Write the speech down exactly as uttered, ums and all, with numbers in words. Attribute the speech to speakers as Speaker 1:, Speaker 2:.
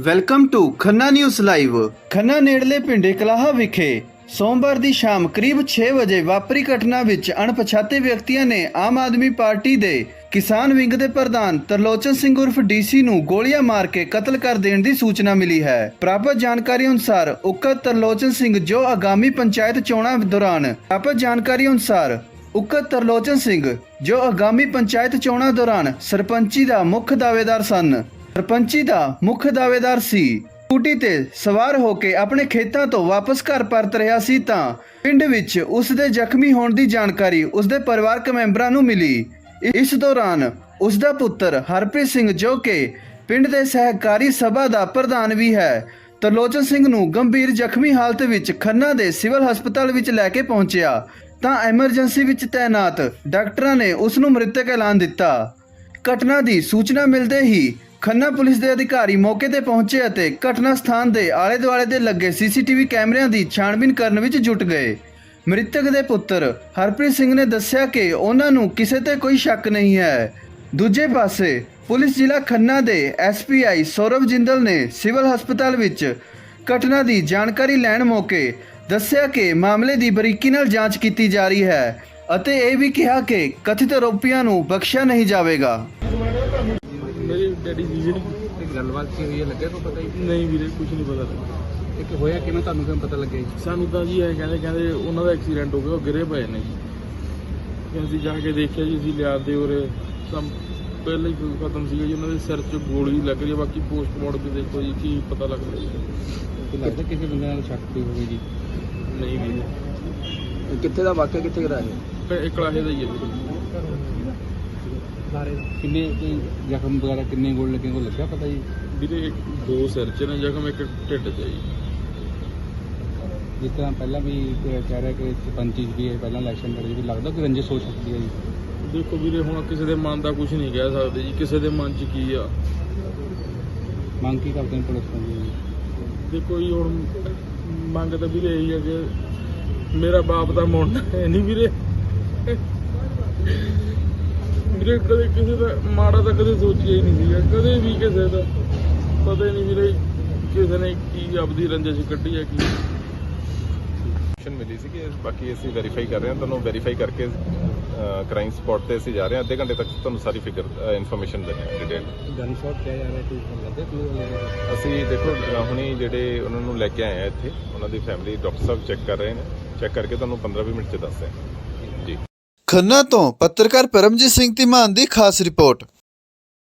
Speaker 1: Welcome to Khanna news live. Khanna ਨੇੜਲੇ ਪਿੰਡ ਕਲਾਹਾ ਵਿਖੇ ਸੋਮਵਾਰ ਦੀ ਸ਼ਾਮ ਕਰੀਬ ਛੇ ਵਜੇ ਵਾਪਰੀ ਘਟਨਾ ਵਿੱਚ ਅਣਪਛਾਤੇ ਵਿਅਕਤੀਆਂ ਨੇ ਆਮ ਆਦਮੀ ਪਾਰਟੀ ਦੇ ਕਿਸਾਨ ਵਿੰਗ ਦੇ ਪ੍ਰਧਾਨ ਤਰਲੋਚਨ ਸਿੰਘ ਉਰਫ ਡੀਸੀ ਨੂੰ ਗੋਲੀਆਂ ਮਾਰ ਕੇ ਕਤਲ ਕਰ ਦੇਣ ਦੀ ਸੂਚਨਾ ਮਿਲੀ ਹੈ। ਪ੍ਰਾਪਤ ਜਾਣਕਾਰੀ ਅਨੁਸਾਰ ਉਕਤ ਤਰਲੋਚਨ ਸਿੰਘ ਜੋ ਆਗਾਮੀ ਪੰਚਾਇਤ ਚੋਣਾਂ ਦੌਰਾਨ ਪ੍ਰਾਪਤ ਜਾਣਕਾਰੀ ਅਨੁਸਾਰ ਉਕਤ ਤਰਲੋਚਨ ਸਿੰਘ ਜੋ ਆਗਾਮੀ ਪੰਚਾਇਤ ਚੋਣਾਂ ਦੌਰਾਨ ਸਰਪੰਚੀ ਦਾ ਮੁੱਖ ਦਾਅਵੇਦਾਰ ਸਨ ਸਰਪੰਚੀ ਦਾ ਮੁੱਖ ਦਾਅਵੇਦਾਰ ਸੀ। ਸਕੂਟੀ ਤੇ ਸਵਾਰ ਹੋ ਕੇ ਆਪਣੇ ਖੇਤਾਂ ਤੋਂ ਵਾਪਸ ਘਰ ਪਰਤ ਰਿਹਾ ਸੀ ਤਾਂ ਪਿੰਡ ਵਿੱਚ ਉਸ ਦੇ ਜ਼ਖਮੀ ਹੋਣ ਦੀ ਜਾਣਕਾਰੀ ਉਸ ਦੇ ਪਰਿਵਾਰਕ ਮੈਂਬਰਾਂ ਨੂੰ ਮਿਲੀ। ਇਸ ਦੌਰਾਨ ਉਸ ਦਾ ਪੁੱਤਰ ਹਰਪ੍ਰੀਤ ਸਿੰਘ ਜੋ ਕਿ ਪਿੰਡ ਦੇ ਸਹਿਕਾਰੀ ਸਭਾ ਦਾ ਪ੍ਰਧਾਨ ਵੀ ਹੈ, ਤਰਲੋਚਨ ਸਿੰਘ ਨੂੰ ਗੰਭੀਰ ਜ਼ਖਮੀ ਹਾਲਤ ਵਿੱਚ ਖੰਨਾ ਦੇ ਸਿਵਲ ਹਸਪਤਾਲ ਵਿੱਚ ਲੈ ਕੇ ਪਹੁੰਚਿਆ ਤਾਂ ਐਮਰਜੈਂਸੀ ਵਿੱਚ ਤਾਇਨਾਤ ਡਾਕਟਰਾਂ ਨੇ ਉਸ ਨੂੰ ਮ੍ਰਿਤਕ ਐਲਾਨ ਦਿੱਤਾ। ਘਟਨਾ ਦੀ ਸੂਚਨਾ ਮਿਲਦੇ ਹੀ ਖੰਨਾ ਪੁਲਿਸ ਦੇ ਅਧਿਕਾਰੀ ਮੌਕੇ ਤੇ ਪਹੁੰਚੇ ਅਤੇ ਘਟਨਾ ਸਥਾਨ ਦੇ ਆਲੇ ਦੁਆਲੇ ਦੇ ਲੱਗੇ ਸੀਸੀਟੀਵੀ ਕੈਮਰਿਆਂ ਦੀ ਛਾਣਬੀਨ ਕਰਨ ਵਿੱਚ ਜੁਟ ਗਏ। ਮ੍ਰਿਤਕ ਦੇ ਪੁੱਤਰ ਹਰਪ੍ਰੀਤ ਸਿੰਘ ਨੇ ਦੱਸਿਆ ਕਿ ਉਹਨਾਂ ਨੂੰ ਕਿਸੇ ਤੇ ਕੋਈ ਸ਼ੱਕ ਨਹੀਂ ਹੈ। ਦੂਜੇ ਪਾਸੇ ਪੁਲਿਸ ਜ਼ਿਲ੍ਹਾ ਖੰਨਾ ਦੇ S P I Saurav Jindal ਨੇ ਸਿਵਲ ਹਸਪਤਾਲ ਵਿੱਚ ਘਟਨਾ ਦੀ ਜਾਣਕਾਰੀ ਲੈਣ ਮੌਕੇ ਦੱਸਿਆ ਕਿ ਮਾਮਲੇ ਦੀ ਬਰੀਕੀ ਨਾਲ ਜਾਂਚ ਕੀਤੀ ਜਾ ਰਹੀ ਹੈ ਅਤੇ ਇਹ ਵੀ ਕਿਹਾ ਕਿ ਕਥਿਤ ਆਰੋਪੀਆਂ ਨੂੰ ਬਖਸ਼ਿਆ ਨਹੀਂ ਜਾਵੇਗਾ।
Speaker 2: ਮੇਰੀ ਡੈਡੀ ਜੀ ਜਿਹੜੀ
Speaker 3: ਗੱਲਬਾਤ ਕੀ ਹੋਈ ਹੈ ਲੱਗਿਆ ਕੋਈ ਪਤਾ ਹੀ
Speaker 2: ਨਹੀਂ ਵੀਰੇ ਕੁਝ ਨਹੀਂ ਪਤਾ ਲੱਗਾ।
Speaker 3: ਇਹ ਕਿ ਹੋਇਆ ਕਿਵੇਂ ਤੁਹਾਨੂੰ ਕਿਵੇਂ ਪਤਾ ਲੱਗਿਆ ਜੀ?
Speaker 2: ਸਾਨੂੰ ਤਾਂ ਜੀ ਇਹ ਕਹਿੰਦੇ ਕਹਿੰਦੇ ਉਹਨਾਂ ਦਾ ਐਕਸੀਡੈਂਟ ਹੋ ਗਿਆ, ਉਹ ਗਿਰੇ ਪਏ ਨੇ ਜੀ। ਤੇ ਅਸੀਂ ਜਾ ਕੇ ਦੇਖਿਆ ਜੀ, ਅਸੀਂ ਲਿਆਦੇ ਉਰੇ ਸਭ ਪਹਿਲਾਂ ਹੀ ਖਤਮ ਸੀਗਾ ਜੀ, ਉਹਨਾਂ ਦੇ ਸਿਰ 'ਚ ਗੋਲੀ ਲੱਗ ਰਹੀ ਹੈ। ਬਾਕੀ ਪੋਸਟਮਾਰਟਮ ਵੀ ਦੇਖੋ ਜੀ ਕੀ ਪਤਾ ਲੱਗਦਾ ਜੀ।
Speaker 3: ਲੱਗਦਾ ਕਿਸੇ ਬੰਦੇ ਨਾਲ ਸ਼ੱਕ ਵੀ ਹੋਵੇ ਜੀ?
Speaker 2: ਨਹੀਂ ਵੀਰੇ
Speaker 3: ਕਿੱਥੇ ਦਾ ਵਾਕਿਆ ਕਿੱਥੇ ਕਰਾਇਆ?
Speaker 2: ਇਹ ਕਲਾਹੇ ਦਾ ਹੀ ਹੈ ਵੀਰੇ।
Speaker 3: ਕਿੰਨੇ ਕੋਈ ਜ਼ਖਮ ਵਗੈਰਾ ਕਿੰਨੇ ਗੋਲ ਲੱਗੇ ਕੋਈ ਲੱਗਿਆ ਪਤਾ ਜੀ?
Speaker 2: ਵੀਰੇ ਇੱਕ ਦੋ ਸਿਰ 'ਚ ਨੇ ਜ਼ਖਮ, ਇੱਕ ਢਿੱਡ 'ਚ ਹੈ ਜੀ।
Speaker 3: ਜਿਸ ਤਰ੍ਹਾਂ ਪਹਿਲਾਂ ਵੀ ਕਹਿ ਰਿਹਾ ਕਿ ਸਰਪੰਚੀ ਵੀ ਹੈ, ਪਹਿਲਾਂ ਇਲੈਕਸ਼ਨ ਲੜੀ ਵੀ, ਲੱਗਦਾ ਕਿ ਰੰਜਿਸ਼ ਹੋ ਸਕਦੀ ਹੈ ਜੀ?
Speaker 2: ਦੇਖੋ ਵੀਰੇ ਹੁਣ ਕਿਸੇ ਦੇ ਮਨ ਦਾ ਕੁਝ ਨਹੀਂ ਕਹਿ ਸਕਦੇ ਜੀ, ਕਿਸੇ ਦੇ ਮਨ 'ਚ ਕੀ ਆ।
Speaker 3: ਮੰਗ ਕੀ ਕਰਦੇ ਨੇ ਪੁਲਿਸ ਤੋਂ ਜੀ?
Speaker 2: ਦੇਖੋ ਜੀ ਹੁਣ ਮੰਗ ਤਾਂ ਵੀਰੇ ਇਹੀ ਹੈ ਕਿ ਮੇਰਾ ਬਾਪ ਦਾ ਮੁੰਡਾ ਹੈ ਨਹੀਂ ਵੀਰੇ। ਵੀਰੇ ਕਦੇ ਕਿਸੇ ਦਾ ਮਾੜਾ ਤਾਂ ਕਦੇ ਸੋਚਿਆ ਹੀ ਨਹੀਂ ਸੀਗਾ, ਕਦੇ ਵੀ ਕਿਸੇ ਦਾ ਪਤਾ ਹੀ ਨਹੀਂ ਵੀਰੇ ਕਿਸੇ ਨੇ ਕੀ ਆਪਦੀ ਰੰਜਿਸ਼ ਕੱਢੀ ਹੈ ਕੀ
Speaker 4: ਮਿਲੀ ਸੀ ਕਿ ਬਾਕੀ ਅਸੀਂ ਵੈਰੀਫਾਈ ਕਰ ਰਹੇ ਹਾਂ। ਤੁਹਾਨੂੰ ਵੈਰੀਫਾਈ ਕਰਕੇ ਕ੍ਰਾਈਮ ਸਪੌਟ ਤੇ ਅਸੀਂ ਜਾ ਰਹੇ ਹਾਂ। ਅੱਧੇ ਘੰਟੇ ਤੱਕ ਤੁਹਾਨੂੰ ਸਾਰੀ ਫਿਗਰ ਇਨਫੋਰਮੇਸ਼ਨ ਦਿੰਦੇ ਹਾਂ ਡਿਟੇਲ।
Speaker 3: ਗਨ ਸ਼ਾਟ ਕਿਹਾ ਜਾ ਰਿਹਾ ਕੋਈ ਲੱਗਦਾ ਕਿ
Speaker 4: ਅਸੀਂ ਦੇਖੋ ਹੁਣੀ ਜਿਹੜੇ ਉਹਨਾਂ ਨੂੰ ਲੈ ਕੇ ਆਏ ਆ ਇੱਥੇ, ਉਹਨਾਂ ਦੀ ਫੈਮਿਲੀ ਡਾਕਟਰ ਸਾਹਿਬ ਚੈੱਕ ਕਰ ਰਹੇ ਨੇ, ਚੈੱਕ ਕਰਕੇ ਤੁਹਾਨੂੰ ਪੰਦਰਾਂ ਵੀਹ ਮਿੰਟ 'ਚ ਦੱਸਦੇ ਹਾਂ ਜੀ।
Speaker 1: ਖੰਨਾ ਤੋਂ ਪੱਤਰਕਾਰ ਪਰਮਜੀਤ ਸਿੰਘ ਧੀਮਾਨ ਦੀ ਖਾਸ ਰਿਪੋਰਟ।